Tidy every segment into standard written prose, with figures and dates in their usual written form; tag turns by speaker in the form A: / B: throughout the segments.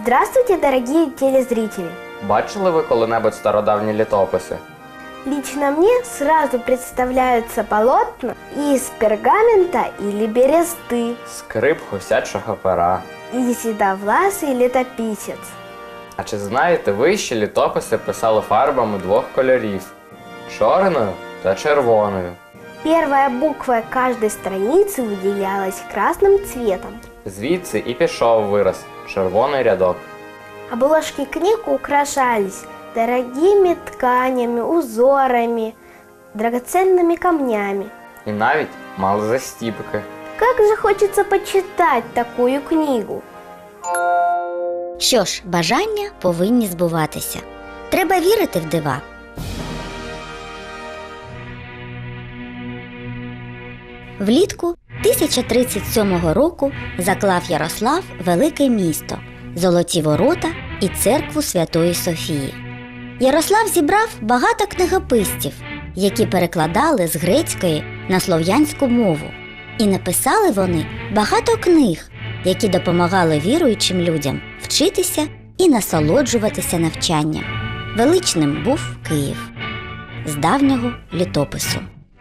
A: Здравствуйте, дорогие телезрители!
B: Бачили ви коли-небудь стародавні літописи?
A: Лично мне сразу представляются полотна из пергамента или бересты,
B: Скрип гусячого пера.
A: и седовласый летописец.
B: А чи знаєте ви, що літописи писали фарбами двох кольорів – чорною та червоною?
A: Первая буква каждой страницы выделялась красным цветом.
B: Звідси і пішов вираз – червоний рядок.
A: Обложки книг украшались дорогими тканями, узорами, драгоценными камнями.
B: І навіть мали застіпки.
A: Как же хочется почитать такую книгу!
C: Що ж, бажання повинні збуватися. Треба вірити в дива. Влітку 1037 року заклав Ярослав велике місто, золоті ворота і церкву Святої Софії. Ярослав зібрав багато книгописців, які перекладали з грецької на слов'янську мову. І написали вони багато книг, які допомагали віруючим людям вчитися і насолоджуватися навчанням. Величним був Київ з давнього літопису.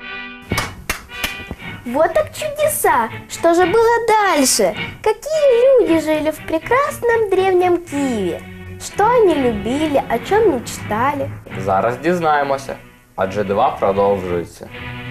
A: Вот так чудеса! Что же было дальше? Какие люди жили в прекрасном древнем Киеве? Что они любили, о чем мечтали?
B: Зараз дізнаємося, адже дива продовжуються.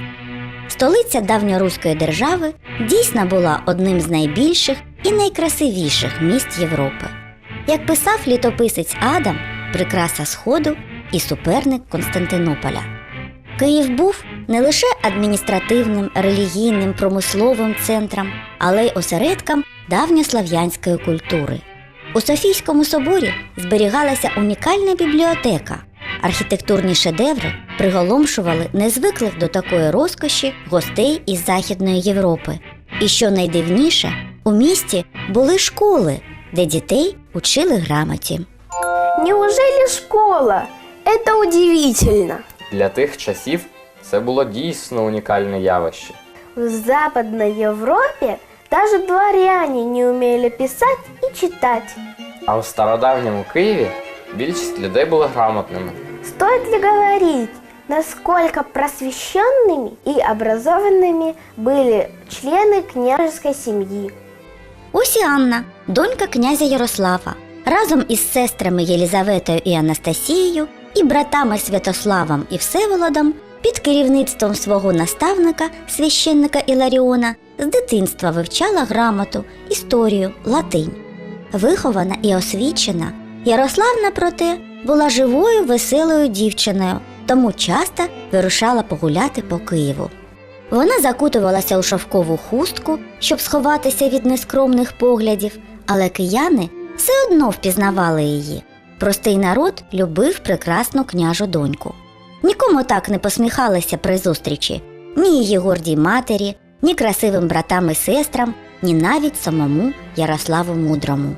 C: Столиця давньоруської держави дійсно була одним з найбільших і найкрасивіших міст Європи. Як писав літописець Адам, прикраса Сходу і суперник Константинополя. Київ був не лише адміністративним, релігійним, промисловим центром, але й осередком давньослав'янської культури. У Софійському соборі зберігалася унікальна бібліотека. Архітектурні шедеври приголомшували незвиклих до такої розкоші гостей із Західної Європи. І що найдивніше, у місті були школи, де дітей учили грамоті.
A: Неужели школа? Это удивительно!
B: Для тих часів це було дійсно унікальне явище.
A: В Западной Европе даже дворяне не умели писать и читать.
B: А у стародавньому Києві більшість людей були грамотними.
A: Стоит ли говорить, насколько просвещенными и образованными были члены княжеской семьи?
C: Ось і Анна, донька князя Ярослава, разом із сестрами Єлізаветою і Анастасією і братами Святославом і Всеволодом під керівництвом свого наставника, священника Іларіона, з дитинства вивчала грамоту, історію, латинь. Вихована і освічена, Ярославна, проте, була живою, веселою дівчиною, тому часто вирушала погуляти по Києву. Вона закутувалася у шовкову хустку, щоб сховатися від нескромних поглядів, але кияни все одно впізнавали її. Простий народ любив прекрасну княжу доньку. Нікому так не посміхалися при зустрічі. Ні її гордій матері, ні красивим братам і сестрам, ні навіть самому Ярославу Мудрому.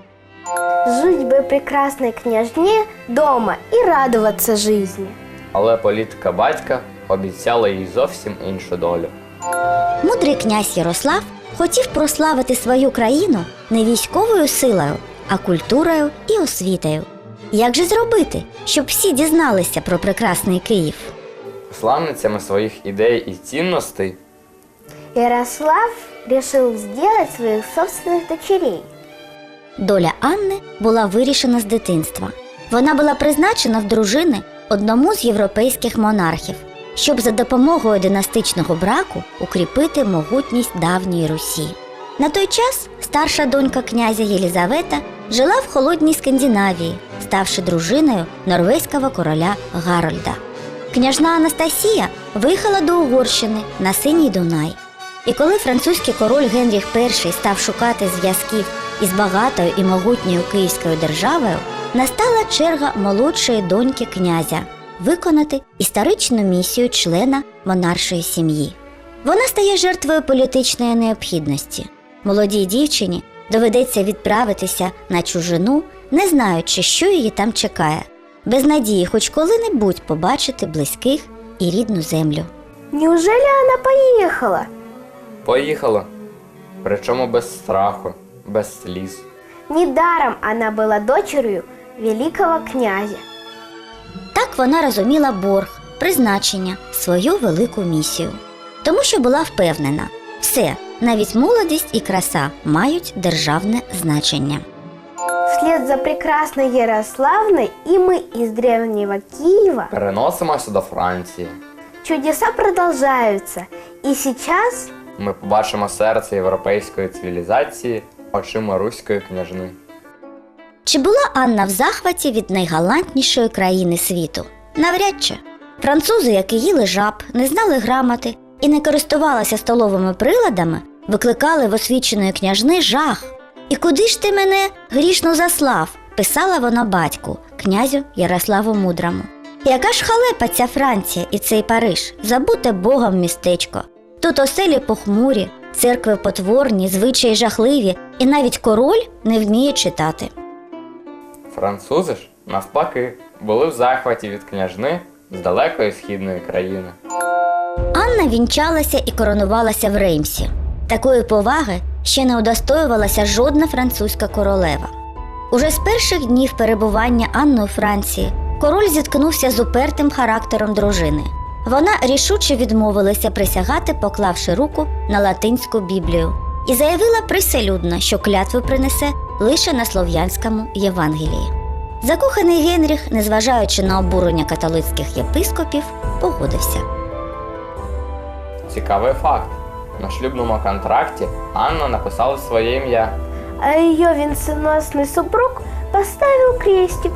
A: Жить бы прекрасной княжне дома и радоваться жизни.
B: Але політика батька обіцяла їй зовсім іншу долю.
C: Мудрий князь Ярослав хотів прославити свою країну не військовою силою, а культурою і освітою. Як же зробити, щоб всі дізналися про прекрасний Київ?
B: Славницями своїх ідей і цінностей
A: Ярослав решил сделать своих собственных дочерей.
C: Доля Анни була вирішена з дитинства. Вона була призначена в дружини одному з європейських монархів, щоб за допомогою династичного браку укріпити могутність давньої Русі. На той час старша донька князя Єлізавета жила в холодній Скандинавії, ставши дружиною норвезького короля Гарольда. Княжна Анастасія виїхала до Угорщини на Синій Дунай. І коли французький король Генріх І став шукати зв'язків із багатою і могутньою Київською державою, настала черга молодшої доньки князя виконати історичну місію члена монаршої сім'ї. Вона стає жертвою політичної необхідності. Молодій дівчині доведеться відправитися на чужину, не знаючи, що її там чекає, без надії хоч коли-небудь побачити близьких і рідну землю.
A: Неужели она поехала?
B: поїхала. Причому без страху, без сліз.
A: Недаром она была дочерью великого князя.
C: Так вона розуміла борг, призначення, свою велику місію. Тому що була впевнена, все, навіть молодість і краса мають державне значення.
A: Вслед за прекрасной Ярославной и мы из древнего Киева
B: Переносимося до Франції.
A: чудеса продолжаются. И сейчас
B: Ми побачимо серце європейської цивілізації очима руської княжни.
C: Чи була Анна в захваті від найгалантнішої країни світу? Навряд чи. Французи, які їли жаб, не знали грамоти і не користувалися столовими приладами, викликали в освіченої княжни жах. «І куди ж ти мене грішно заслав?» – писала вона батьку, князю Ярославу Мудрому. «Яка ж халепа ця Франція і цей Париж, забуте Богом містечко. Тут оселі похмурі, церкви потворні, звичаї жахливі, і навіть король не вміє читати».
B: Французи ж, навпаки, були в захваті від княжни з далекої східної країни.
C: Анна вінчалася і коронувалася в Реймсі. Такої поваги ще не удостоювалася жодна французька королева. Уже з перших днів перебування Анни у Франції король зіткнувся з упертим характером дружини. Вона рішуче відмовилася присягати, поклавши руку на латинську Біблію, і заявила приселюдно, що клятву принесе лише на слов'янському Євангелії. Закоханий Генріх, незважаючи на обурення католицьких єпископів, погодився.
B: Цікавий факт. На шлюбному контракті Анна написала своє ім'я.
A: а ее венценосный супруг поставил крестик.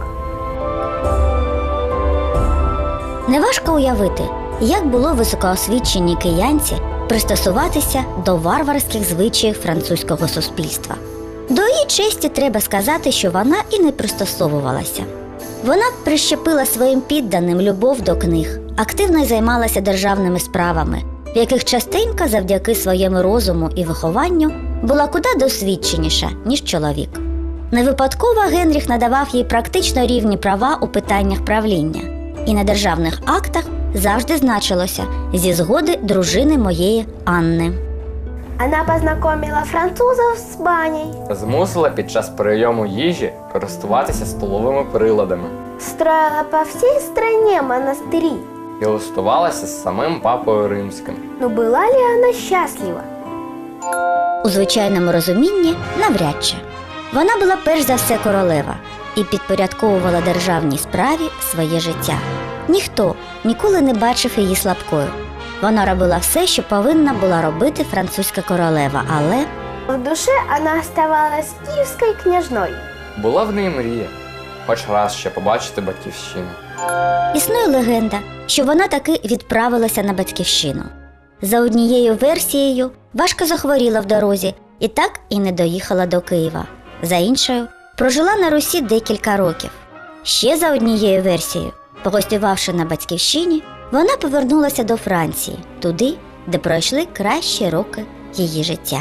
C: Неважко уявити, як було високоосвіченій киянці пристосуватися до варварських звичаїв французького суспільства. До її честі треба сказати, що вона і не пристосовувалася. Вона прищепила своїм підданим любов до книг, активно займалася державними справами, в яких частенько завдяки своєму розуму і вихованню була куди досвідченіша, ніж чоловік. Не випадково Генріх надавав їй практично рівні права у питаннях правління, і на державних актах завжди значилося «зі згоди дружини моєї Анни».
A: Она познакомила французов с баней,
B: Змусила під час прийому їжі користуватися столовими приладами
A: строила по всей стране монастыри.
B: і листувалася з самим папою римським.
A: Но была ли она счастлива?
C: У звичайному розумінні навряд чи. Вона була перш за все королева і підпорядковувала державній справі своє життя. Ніхто ніколи не бачив її слабкою. Вона робила все, що повинна була робити французька королева, але
A: В душе она оставалась киевской княжной.
B: Була в неї мрія хоч раз ще побачити батьківщину.
C: існує легенда, що вона таки відправилася на батьківщину. За однією версією, важко захворіла в дорозі і так і не доїхала до Києва. За іншою, прожила на Русі декілька років. Ще за однією версією, погостювавши на батьківщині, вона повернулася до Франції, туди, де пройшли кращі роки її життя.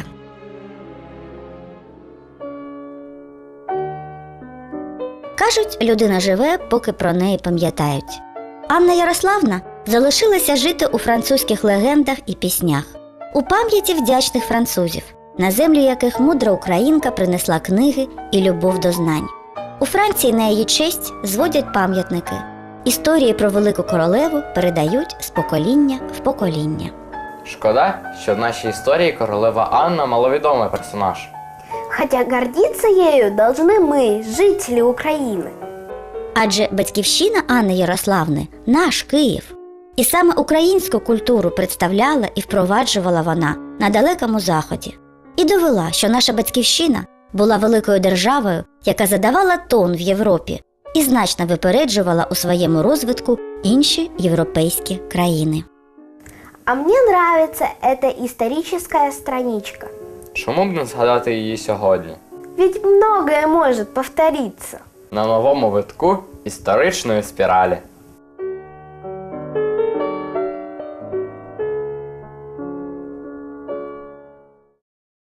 C: Кажуть, людина живе, поки про неї пам'ятають. Анна Ярославна залишилася жити у французьких легендах і піснях, у пам'яті вдячних французів, на землю яких мудра українка принесла книги і любов до знань. У Франції на її честь зводять пам'ятники. Історії про велику королеву передають з покоління в покоління.
B: Шкода, що в нашій історії королева Анна маловідомий персонаж.
A: Хотя гордиться ею должны мы, жители Украины.
C: Адже батьківщина Анни Ярославни – наш Київ. І саме українську культуру представляла і впроваджувала вона на Далекому Заході. І довела, що наша батьківщина була великою державою, яка задавала тон в Європі і значно випереджувала у своєму розвитку інші європейські країни.
A: А мне нравится эта историческая страничка.
B: Чому б не згадати її сьогодні?
A: Ведь многое может повториться.
B: На новому витку історичної спіралі.